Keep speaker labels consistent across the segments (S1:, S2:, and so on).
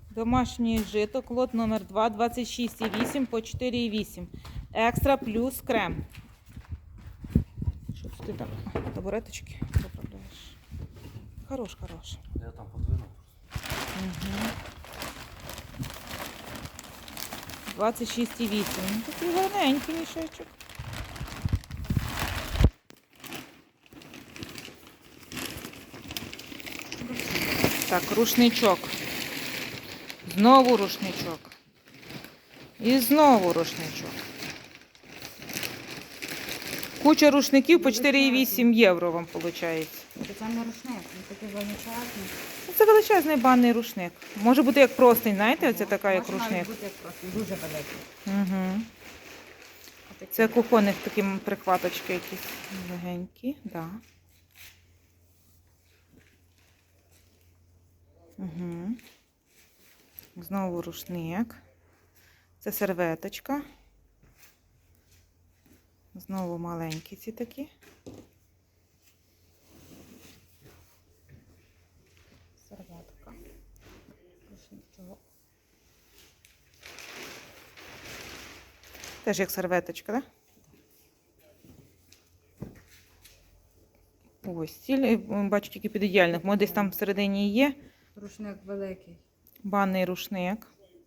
S1: Домашнє жито, лот номер 2, 26,8 по 4,8. Екстра плюс крем. Що це ти там? Табуреточки поправляєш. Хорош.
S2: Я там подвинув.
S1: Угу. 26,8. Ну, такий гарненький мішечок. Так, рушничок. Знову рушничок. І знову рушничок. Куча рушників по 4,8 євро вам виходить.
S3: Це не рушник, він такий величезний.
S1: Це величезний банний рушник. Може бути як простий, знаєте, оце така як
S3: Може навіть
S1: рушник.
S3: бути як просто дуже великий.
S1: Угу.
S3: Отакий.
S1: Це кухонних такі прихваточки якісь легенькі. Да. Угу. Знову рушник. Це серветочка. Знову маленькі ці такі.
S3: Серветка. Рушничок.
S1: Теж як серветочка, так? Да? Ось, стіль, бачу тільки під ідеальних. Може десь там всередині є
S3: Рушник великий.
S1: банний рушник.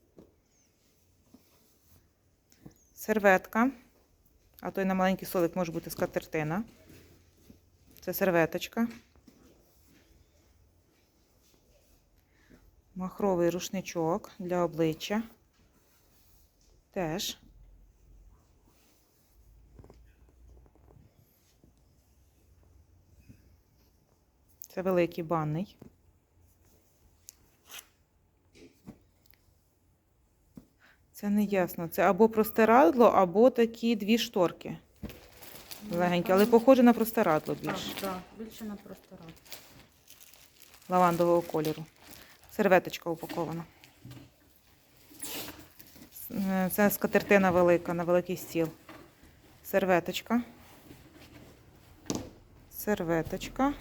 S1: Серветка. А то й на маленький столик може бути скатертина. Це серветочка. Махровий рушничок для обличчя. Теж. Це великий банний. Це не ясно. Це або простирадло, або такі дві шторки. Легенькі, але похоже на простирадло
S3: Так,
S1: більше.
S3: так, більше на просторах.
S1: Лавандового кольору. Серветочка упакована. Це скатертина велика, на великий стіл. Серветочка. Серветочка.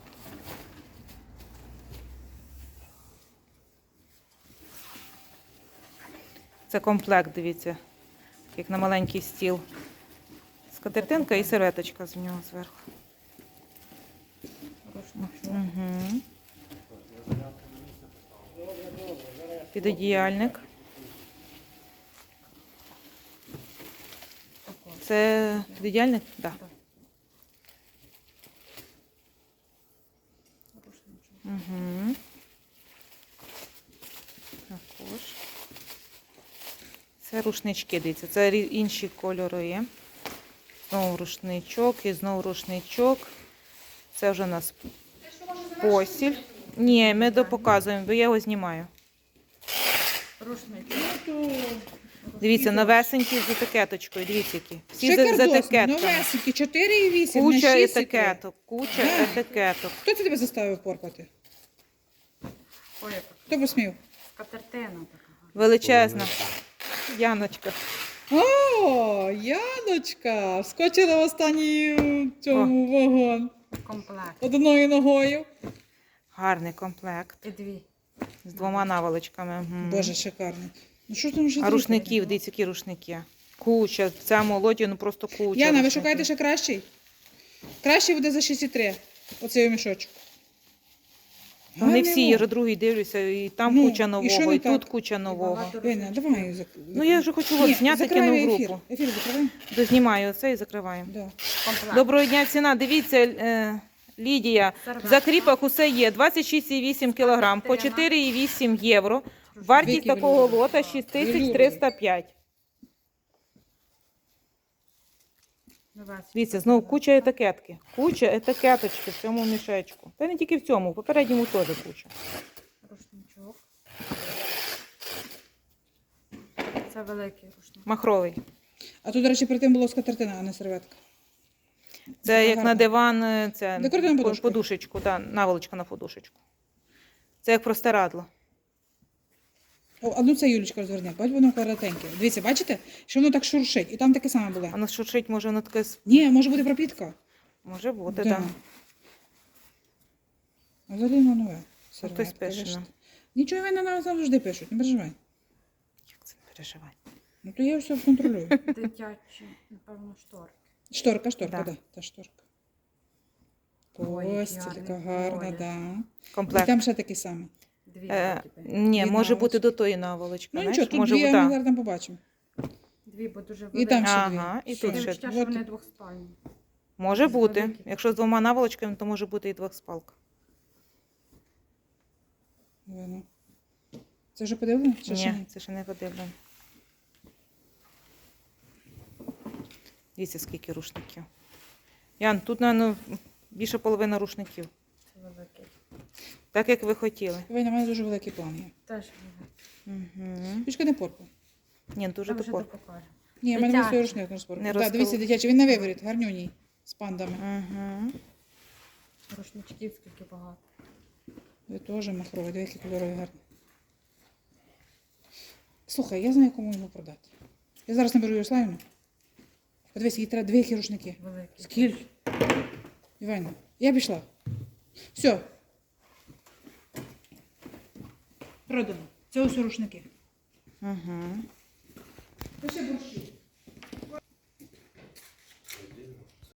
S1: Це комплект, дивіться, як на маленький стіл. Скатертинка і серветочка з нього зверху.
S3: Рушничок.
S1: Угу. Підодіяльник. Це підодіяльник? Так. Да.
S3: Рушничок.
S1: Угу. Також. Це рушнички, дивіться, це інші кольори є. Знову рушничок і знову рушничок. Це вже у нас постіль. Ні, ми допоказуємо, бо я його знімаю.
S3: Рушничок.
S1: Дивіться, новесенькі з етикеточкою, дивіться які. Всі з
S4: Шикардос,
S1: етикетками.
S4: новесенькі, 4,8
S1: Куча
S4: на 6
S1: етикеток, куча етикеток.
S4: Хто це тебе заставив порпати?
S3: Ой, яка
S4: Хто посмів?
S3: скатертина така.
S1: Величезна. Яночка.
S4: О, Яночка! Вскочила в останній цьому вагон.
S3: Комплект.
S4: Одною ногою.
S1: Гарний комплект.
S3: І дві.
S1: З двома наволочками. Мгм.
S4: Боже, шикарно. Ну що там вже
S1: А
S4: зробити?
S1: рушників, дивіться, які рушники. Куча. В цьому лоті, ну просто куча.
S4: Яна, ви
S1: рушників.
S4: шукаєте ще кращий? Кращий буде за 6,3. Оцей мішочок.
S1: Вони всі,
S4: Гарний,
S1: я другий дивлюся, і там
S4: Ну,
S1: куча
S4: і
S1: нового,
S4: що
S1: і,
S4: не
S1: тут
S4: так?
S1: куча нового.
S3: багато
S4: Яна, давай.
S1: Ну я вже хочу от, зняти, кину в
S4: ефір.
S1: групу.
S4: Ефір закриваємо?
S1: Дознімаю оце і закриваємо.
S4: Да.
S3: Комплект.
S1: Доброго дня, ціна. Дивіться, Лідія,
S3: Серветка.
S1: в закріпах усе є. 26,8 кг по 4,8 євро. Вартість
S4: Віки
S1: такого
S4: влюблені.
S1: лота 6305. Дивіться, знову куча етикетки. Куча етикеточки в цьому мішечку. Та не тільки в цьому, в попередньому теж куча.
S3: Рушничок. Це великий рушник.
S1: Махровий.
S4: А тут, до речі, перед тим було скатертина, а не серветка.
S1: Це як
S4: гарно.
S1: на диван, це
S4: Декоративна подушка.
S1: подушечку, да, наволочка на подушечку. Це як простирадло.
S4: О, а ну це Юлічка розверне, бач, воно коротеньке. Дивіться, бачите, що воно так шуршить. І там таке саме було.
S1: Воно шуршить, може воно таке,
S4: Ні, може бути пропітка.
S1: може бути,
S4: Да.
S1: так.
S4: А взагалі воно нове.
S1: Ото й
S4: Серветка,
S1: спешено.
S4: бачите. Нічого вони нам завжди пишуть, не переживай.
S1: Як це не переживай?
S4: Ну то я все контролюю.
S3: Дитячі, напевно, шторки.
S4: Шторка,
S1: Да.
S4: да, та шторка.
S3: Ой, який
S4: Ось,
S3: гарний
S4: така гарна,
S3: колір.
S4: да. І
S1: Комплект.
S4: там ще такий самий.
S3: Дві вроді би.
S1: Ні,
S4: Дві
S1: може бути
S4: наволочки.
S1: до тої наволочки.
S4: Ну
S1: знаєш?
S4: нічого, тут
S1: може,
S4: дві, а
S1: да.
S4: ми зараз там побачимо.
S3: Дві, бо дуже
S4: І
S3: великі.
S4: там ще
S1: Ага,
S4: дві.
S1: і
S4: Все.
S1: тут
S3: Таке
S1: ще.
S3: відчуття, що
S4: Вот.
S3: вони двохспальні.
S1: Може
S3: З
S1: бути.
S3: великих.
S1: Якщо з двома наволочками, то може бути і двохспалка.
S4: Воно. Це вже подивилися? Чи ще
S1: Ні, це ще не подивлено. Дивіться, скільки рушників. Ян, тут, напевно, більше половини рушників.
S3: Це великий.
S1: Так, як ви хотіли.
S4: Ой, на мене дуже великий план є.
S3: Теж великий.
S1: Угу.
S4: Пічка не порпай.
S1: Ні, дуже
S3: Там вже
S1: топор.
S3: покажу.
S4: Ні, в мене
S3: Дитячий.
S4: свій рушник не розпорпав.
S1: Не
S4: Так,
S1: розкол-
S4: дивіться, дитячий, він на виворіт, гарнюній, з пандами.
S1: Угу.
S3: Рушничків скільки багато.
S4: Ви теж махровий, дивіться, які кольорові гарні. Слухай, я знаю, кому його продати. Я зараз наберу Ярославівну. Подивись, їй треба дві рушники.
S3: Великий.
S4: Скільки? Івана, я пішла. Все. Продано. Це ось рушники.
S1: Угу.
S4: Ось борщі.